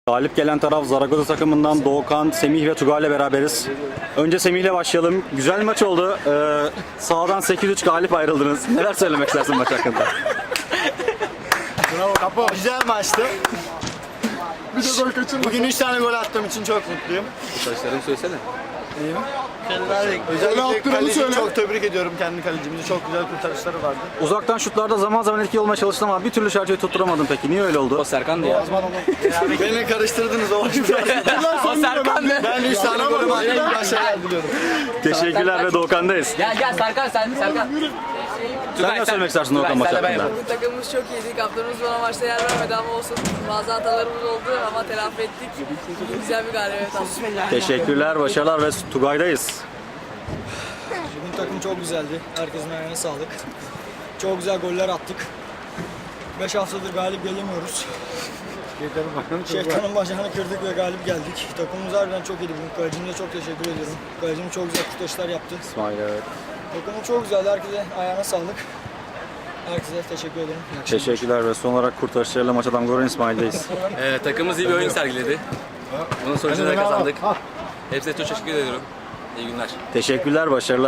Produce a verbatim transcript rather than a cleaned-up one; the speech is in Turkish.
Galip gelen taraf Zaragoza takımından Doğukan, Semih ve Tugay ile beraberiz. Önce Semih ile başlayalım. Güzel maç oldu. Ee, sahadan sekiz üç galip ayrıldınız. Neler söylemek istersin maç hakkında? Bravo Kapo. Güzel maçtı. Bir de gol kaçırdım. Bugün üç tane gol attığım için çok mutluyum. Saçlarını söylesene. İyi mi? Özellikle kaleciyi çok tebrik ediyorum, kendi kalecimizi. Çok güzel kurtarışları vardı. Uzaktan şutlarda zaman zaman etkili olmaya çalıştın ama bir türlü şarjıyı tutturamadın peki. Niye öyle oldu? O Serkan'dı ya. Beni karıştırdınız o O Serkan'dı. Ben üç tane golüm attım. Başarılar diliyorum. Teşekkürler ve Doğukan'dayız. Gel gel Serkan sen Serkan. Sen ne söylemek istersin Doğukan maç hakkında? Bugün takımımız çok iyiydi. Kaptanımız bana maçta yer vermedi ama olsun. Bazı hatalarımız oldu ama telafi ettik. Bugün güzel bir galibiyet aldık. Teşekkürler, başarılar ve Tugay'dayız. Bugün takım çok güzeldi. Herkesin ayağına sağlık. Çok güzel goller attık. beş haftadır galip gelemiyoruz. Şeytanın bacağını kırdık ve galip geldik. Takımımız harbiden çok iyiydi bugün. Kalecimize çok teşekkür ediyorum. Kalecim çok güzel kurtarışlar yaptı. İsmail evet. Takımım çok güzeldi. Herkese ayağına sağlık. Herkese teşekkür ederim. İyi akşamlar. Teşekkürler ve son olarak kurtarışlarıyla maça damga vuran İsmail'deyiz. Ee, takımımız iyi bir oyun sergiledi. Bunun sonucunda da kazandık. Hepsine çok teşekkür ediyorum. İyi günler. Teşekkürler, başarılar.